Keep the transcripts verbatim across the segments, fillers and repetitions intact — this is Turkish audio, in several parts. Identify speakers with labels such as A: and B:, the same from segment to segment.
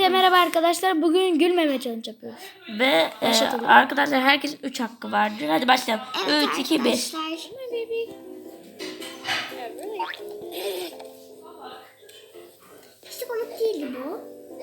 A: Herkese merhaba arkadaşlar. Bugün gülmeme challenge yapıyoruz.
B: Ve e, arkadaşlar herkesin üç hakkı vardır. Hadi başlayalım.
C: Evet,
B: üç, iki, bir.
C: Hiç komik değildi bu.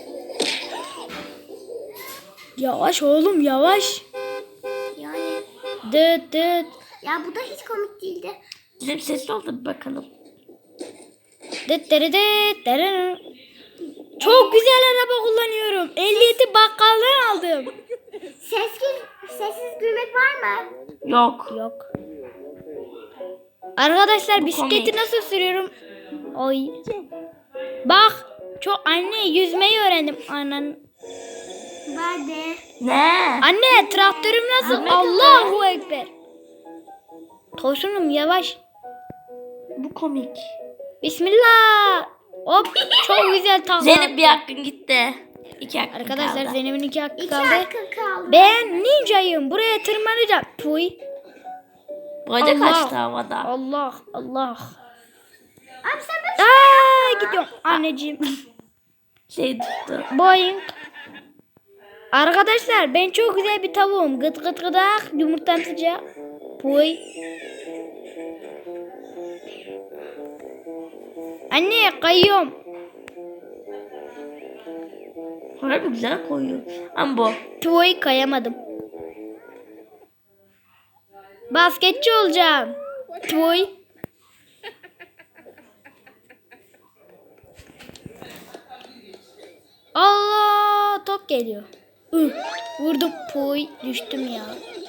A: Yavaş oğlum yavaş.
C: Yani.
A: Dıt dıt.
C: Ya bu da hiç komik değildi.
B: Bizim sesli oldu bir bakalım.
A: Dıt dırı dıt dırı. Çok güzel araba kullanıyorum. Ehliyeti bakkaldan aldım.
C: Sessiz, sessiz gülmek var mı?
B: Yok.
A: Yok. Arkadaşlar
B: Bu
A: bisikleti
B: komik.
A: nasıl sürüyorum? Oy. Bak. Çok anne yüzmeyi öğrendim. Anan.
C: Ben de.
B: Ne?
A: Anne traktörüm nasıl?
B: Ahmet
A: Allahu Ekber. Tosunum yavaş.
B: Bu komik.
A: Bismillah. Hop çok güzel takla.
B: Zeynep bir hakkın gitti. İki hakkın
A: Arkadaşlar
B: kaldı.
A: Zeynep'in iki hakkı
C: İki
A: kaldı.
C: hakkı kaldı.
A: Ben ninjayım. Buraya tırmanacağım. Puy.
B: Boyda
A: Allah.
B: kaçtı havada.
A: Allah Allah.
C: Abi sen böyle
A: Aa, gidiyorum anneciğim.
B: Şey tuttu.
A: Boing. Arkadaşlar ben çok güzel bir tavuğum. Gıt gıt gıdak. Yumurtam sıcak. Puy. Anne kayıyorum.
B: Harbi güzel koyuyor. Ama bu.
A: Puy kayamadım. Basketçi olacağım. Puy. Allah top geliyor. Üh, vurdum puy düştüm ya.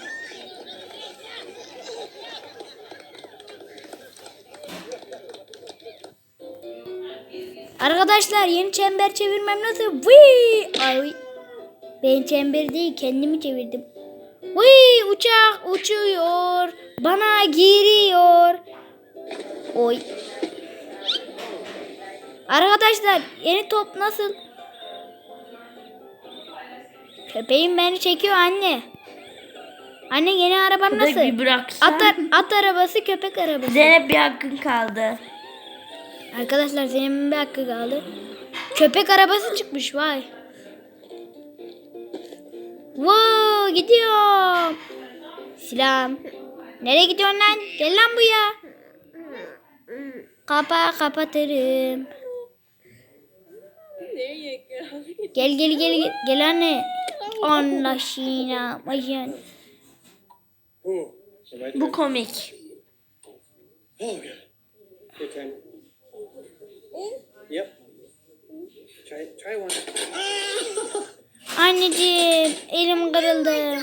A: Arkadaşlar yeni çember çevirmem nasıl? Vıy! Ay. Ben çember değil kendimi çevirdim. Vıy! Uçak uçuyor. Bana giriyor. Oy. Arkadaşlar yeni top nasıl? Köpeğim beni çekiyor anne. Anne yeni araban
B: Köpek
A: nasıl?
B: bir bıraksan.
A: At, at arabası köpek arabası.
B: Zeynep bir hakkın kaldı.
A: Arkadaşlar Zeynep'in bir hakkı kaldı. Köpek arabası çıkmış vay. Wow gidiyorum. Selam. Nereye gidiyorsun lan? Gel lan buraya. Kapa kapatırım. Gel gel gel gel, gel anne. Allah şina. Maşın.
B: Bu komik.
D: Oh, yeah. Your turn. Yep. Try, try one.
A: Anneciğim elim kırıldı.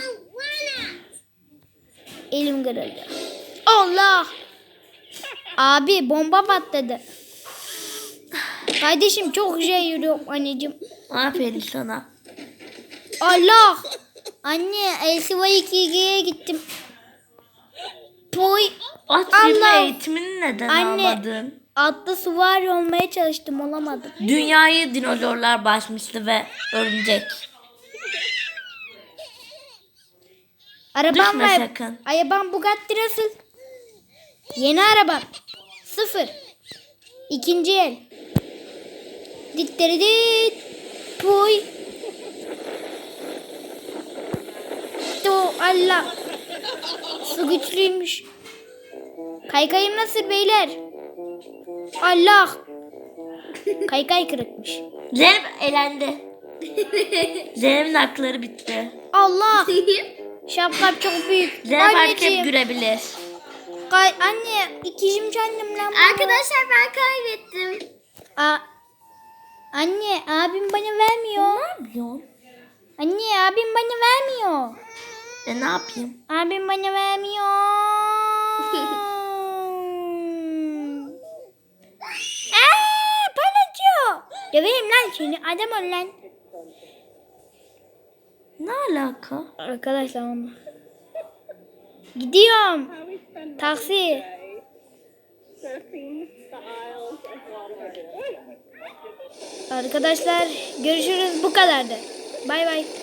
A: Elim kırıldı. Allah. Abi bomba patladı. Kardeşim çok güzel yürüyorum anneciğim.
B: Aferin sana.
A: Allah. Anne L C Y iki G'ye gittim. Toy.
B: At
A: Allah.
B: sürme eğitimini neden
A: Anne.
B: almadın?
A: Atlı süvari olmaya çalıştım olamadım.
B: Dünyayı dinozorlar basmıştı ve örümcek.
A: Arabam
B: Düşme
A: var.
B: sakın.
A: Arabam Bugatti nasıl? Yeni arabam. Sıfır. İkinci el. Ditleri dit. Puy. To Allah. Su güçlüymüş. Kaykayım nasıl beyler? Allah. Kaykay kırıkmış.
B: Zeynep elendi. Zeynep'in hakları bitti.
A: Allah. Şapkam çok büyük.
B: Zeynep artık hep
A: Anneciğim.
B: gülebilir.
A: Kay anne ikizim kendim lan. baba.
C: Arkadaşlar ben kaybettim.
A: A anne abim bana vermiyor.
B: Ne yapıyorsun?
A: Anne abim bana vermiyor.
B: E ne yapayım?
A: Abim bana vermiyor. Eee palacı. Döveyim lan seni adam ol lan.
B: Ne alaka?
A: Arkadaşlar onu. Gidiyorum. Taksi. Arkadaşlar görüşürüz bu kadardı. Bay bay.